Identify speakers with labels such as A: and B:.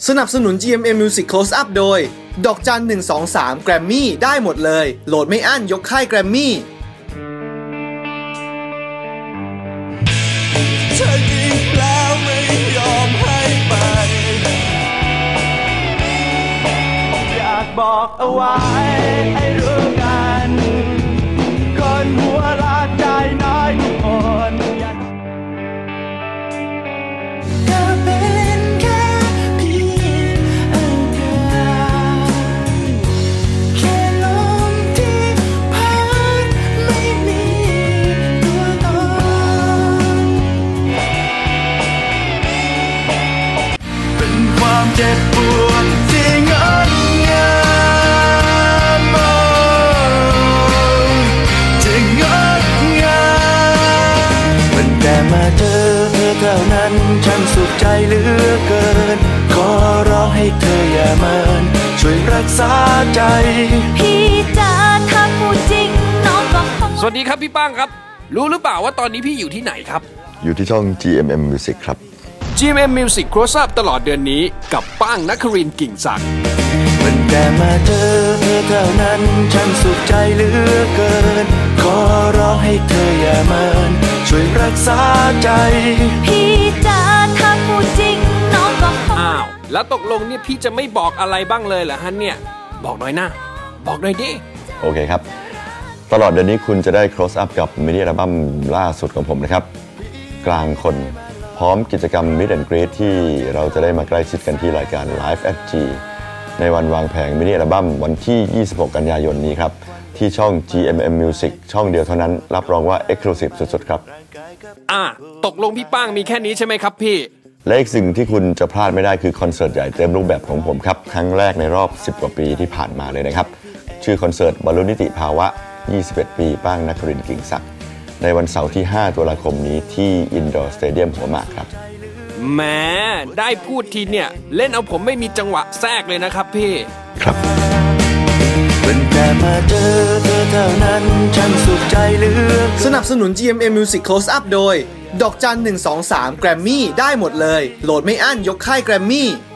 A: สนับสนุน GMM Music Close Up โดยดอกจัน123 Grammy ได้หมดเลยโหลดไม่อั้นยกค่าย Grammy
B: เธอยิงแล้วไม่ยอมให้ไปอยากบอกเอาไว้ให้รู้กันคนหัวรักใจน้อยทุกคนเจ็บปวดที่งดงามที่งดงามมันแต่มาเจอเธอเท่านั้นฉันสุขใจเหลือเกินขอร้องให้เธออย่าเมินช่วยรักษาใจ
C: พี่จ๋าถ้าพูดจริงน้องก็คง
D: สวัสดีครับพี่ป้างครับรู้หรือเปล่าว่าตอนนี้พี่อยู่ที่ไหนครับ
E: อยู่ที่ช่อง GMM Music ครับ
D: GMM Music Close Up ตลอดเดือนนี้กับป้างนครินทร์กิ่งศักดิ์
B: มันแต่มาเจอเธอเท่านั้นฉันสุขใจเหลือเกินขอร้องให้เธออย่าเมินช่วยรักษาใจ
C: พี่จ๋าถ้าพูดจริงน้องก็คง
D: อ้าวแล้วตกลงเนี่ยพี่จะไม่บอกอะไรบ้างเลยเหรอฮะเนี่ยบอกหน่อยนะบอกหน่อยดิ
E: โอเคครับตลอดเดือนนี้คุณจะได้ Close Up กับมินิอัลบั้มล่าสุดของผมนะครับกลางคนพร้อมกิจกรรม Meet and Greet ที่เราจะได้มาใกล้ชิดกันที่รายการ Live at G ในวันวางแผงมินิอัลบั้มวันที่ 26 กันยายนนี้ครับที่ช่อง GMM Music ช่องเดียวเท่านั้นรับรองว่า Exclusive สุดๆครับ
D: ตกลงพี่ป้างมีแค่นี้ใช่ไหมครับพี่
E: และอีกสิ่งที่คุณจะพลาดไม่ได้คือคอนเสิร์ตใหญ่เต็มรูปแบบของผมครับครั้งแรกในรอบ10กว่าปีที่ผ่านมาเลยนะครับชื่อคอนเสิร์ตบรรลุนิติภาวะ21 ปีป้างนครินทร์กิ่งศักดิ์ในวันเสาร์ที่5ตุลาคมนี้ที่ Indoor Stadium หัวหมากครับ
D: แหมได้พูดทีเนี่ยเล่นเอาผมไม่มีจังหวะแทรกเลยนะครับพี่
E: ครับ
B: เป็นแต่มาเจอเธอเท่านั้นฉันสุขใจเหลือ
A: สนับสนุน GMM Music Close Up โดยดอกจัน123 Grammy ได้หมดเลยโหลดไม่อั้นยกค่าย Grammy